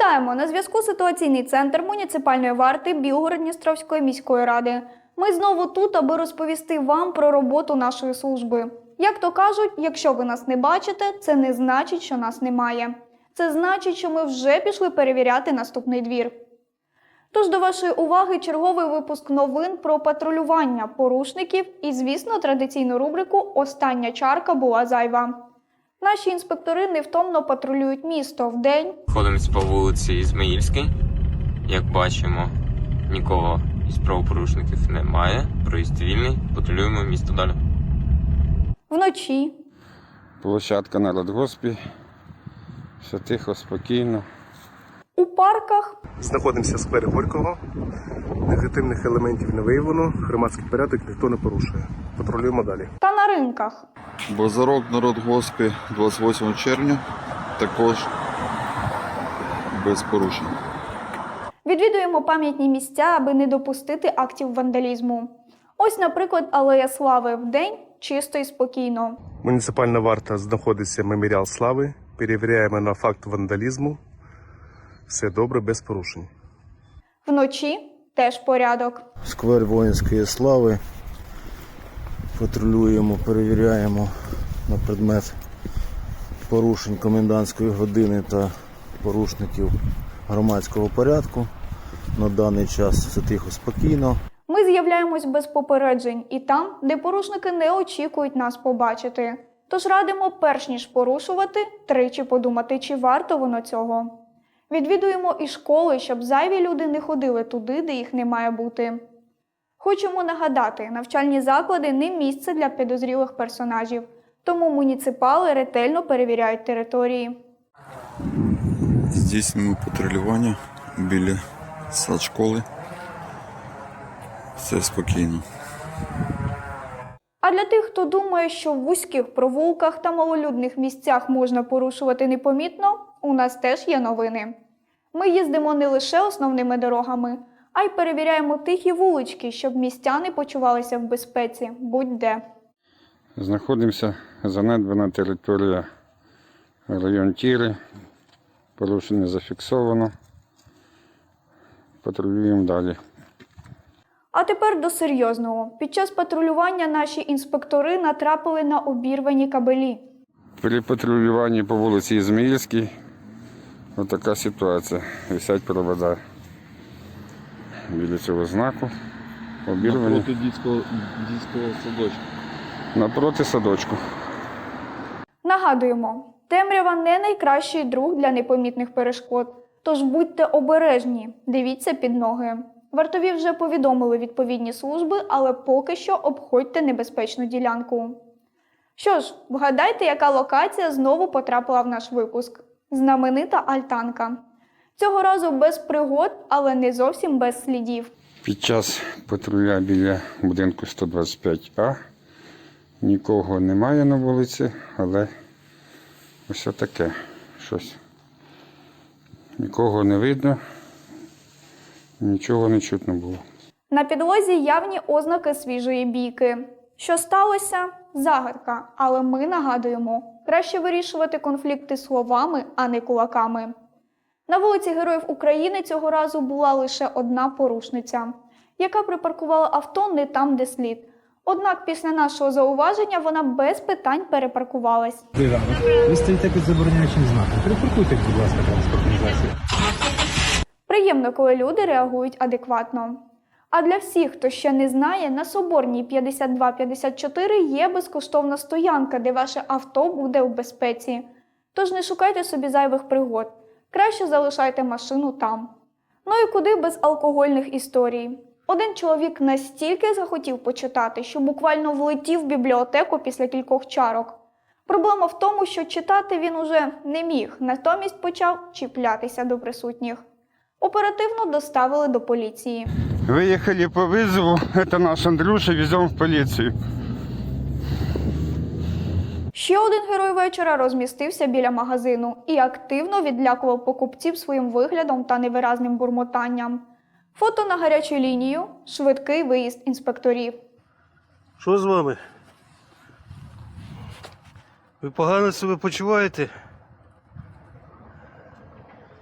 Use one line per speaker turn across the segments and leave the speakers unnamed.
Вітаємо! На зв'язку ситуаційний центр муніципальної варти Білгород-Дністровської міської ради. Ми знову тут, аби розповісти вам про роботу нашої служби. Як то кажуть, якщо ви нас не бачите, це не значить, що нас немає. Це значить, що ми вже пішли перевіряти наступний двір. Тож до вашої уваги черговий випуск новин про патрулювання порушників і, звісно, традиційну рубрику «Остання чарка була зайва». Наші інспектори невтомно патрулюють місто вдень.
Ходимо по вулиці Ізмаїльській. Як бачимо, нікого із правопорушників немає. Проїзд вільний. Патрулюємо місто далі.
Вночі.
Площадка на радгоспі. Все тихо, спокійно.
У парках.
Знаходимося в сквері Горького. Негативних елементів не виявлено. Громадський порядок ніхто не порушує. Патрулюємо далі.
Та на ринках.
Базарок на радгоспі 28 червня. Також без порушень.
Відвідуємо пам'ятні місця, аби не допустити актів вандалізму. Ось, наприклад, Алея Слави вдень чисто і спокійно.
Муніципальна варта знаходиться Меморіал Слави. Перевіряємо на факт вандалізму. Все добре, без порушень.
Вночі теж порядок.
Сквер воїнської слави. Патрулюємо, перевіряємо на предмет порушень комендантської години та порушників громадського порядку. На даний час все тихо, спокійно.
Ми з'являємось без попереджень і там, де порушники не очікують нас побачити. Тож радимо, перш ніж порушувати, тричі подумати, чи варто воно цього. Відвідуємо і школи, щоб зайві люди не ходили туди, де їх не має бути. Хочемо нагадати, навчальні заклади не місце для підозрілих персонажів, тому муніципали ретельно перевіряють території.
Здійснюємо патрулювання біля садшколи. Все спокійно.
А для тих, хто думає, що в вузьких провулках та малолюдних місцях можна порушувати непомітно, у нас теж є новини. Ми їздимо не лише основними дорогами, а й перевіряємо тихі вулички, щоб містяни почувалися в безпеці будь-де.
Знаходимося занедбана територія район Тіри. Порушення зафіксовано. Патрулюємо далі.
А тепер до серйозного. Під час патрулювання наші інспектори натрапили на обірвані кабелі.
При патрулюванні по вулиці Ізмаїльській отака ситуація. Висять провода біля цього знаку. Обірвані.
Напроти дитячого садочка.
Напроти садочку.
Нагадуємо, темрява не найкращий друг для непомітних перешкод. Тож будьте обережні, дивіться під ноги. Вартові вже повідомили відповідні служби, але поки що обходьте небезпечну ділянку. Що ж, вгадайте, яка локація знову потрапила в наш випуск. Знаменита альтанка. Цього разу без пригод, але не зовсім без слідів.
Під час патруля біля будинку 125А нікого немає на вулиці, але ось таке щось. Нікого не видно, нічого не чутно було.
На підлозі явні ознаки свіжої бійки. Що сталося? Загадка. Але ми нагадуємо, краще вирішувати конфлікти словами, а не кулаками. На вулиці Героїв України цього разу була лише одна порушниця, яка припаркувала авто не там, де слід. Однак після нашого зауваження вона без питань перепаркувалась.
Ви стоїте під забороняючим знаком. Припаркуйте, будь ласка, транспортний засіб.
Приємно, коли люди реагують адекватно. А для всіх, хто ще не знає, на Соборній 5254 є безкоштовна стоянка, де ваше авто буде у безпеці. Тож не шукайте собі зайвих пригод. Краще залишайте машину там. Ну і куди без алкогольних історій. Один чоловік настільки захотів почитати, що буквально влетів в бібліотеку після кількох чарок. Проблема в тому, що читати він уже не міг, натомість почав чіплятися до присутніх. Оперативно доставили до поліції.
Виїхали по визову, це наш Андрюша, веземо в поліцію.
Ще один герой вечора розмістився біля магазину і активно відлякував покупців своїм виглядом та невиразним бурмотанням. Фото на гарячу лінію, швидкий виїзд інспекторів.
Що з вами? Ви погано себе почуваєте?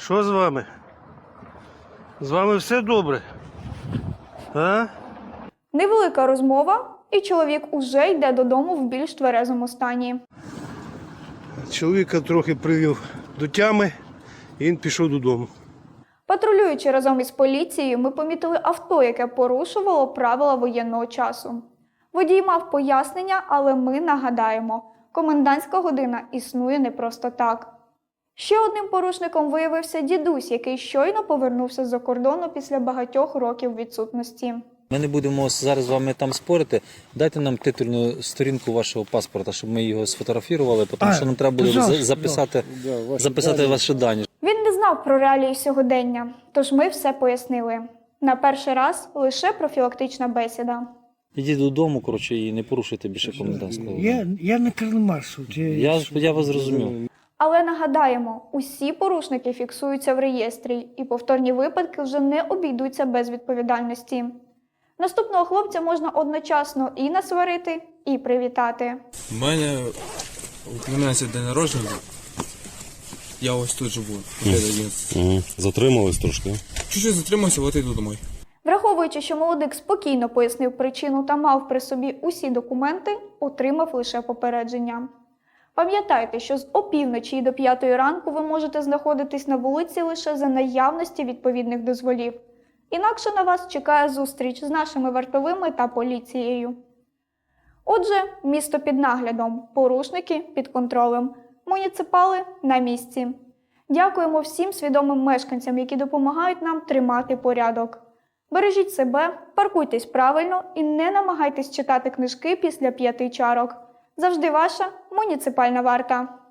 Що з вами? З вами все добре? А?
Невелика розмова, і чоловік уже йде додому в більш тверезому стані.
Чоловіка трохи привів до тями, і він пішов додому.
Патрулюючи разом із поліцією, ми помітили авто, яке порушувало правила воєнного часу. Водій мав пояснення, але ми нагадаємо, комендантська година існує не просто так. Ще одним порушником виявився дідусь, який щойно повернувся з-за кордону після багатьох років відсутності.
Ми не будемо зараз з вами там спорити. Дайте нам титульну сторінку вашого паспорта, щоб ми його сфотографували, тому що нам треба буде записати ваші дані.
Він не знав про реалії сьогодення, тож ми все пояснили. На перший раз лише профілактична бесіда.
Ідіть додому, коротше, і не порушуйте більше комендантського.
Я не Карл-Марс.
Я вас зрозумів.
Але нагадаємо, усі порушники фіксуються в реєстрі, і повторні випадки вже не обійдуться без відповідальності. Наступного хлопця можна одночасно і насварити, і привітати.
У мене у племянця день народження. Я ось тут живу.
Затримались трошки.
Чуть-чуть затримався, от іду домой.
Враховуючи, що молодик спокійно пояснив причину та мав при собі усі документи, отримав лише попередження. Пам'ятайте, що з опівночі до 5 ранку ви можете знаходитись на вулиці лише за наявності відповідних дозволів. Інакше на вас чекає зустріч з нашими вартовими та поліцією. Отже, місто під наглядом, порушники під контролем, муніципали на місці. Дякуємо всім свідомим мешканцям, які допомагають нам тримати порядок. Бережіть себе, паркуйтесь правильно і не намагайтесь читати книжки після 5 чарок. Завжди ваша муніципальна варта.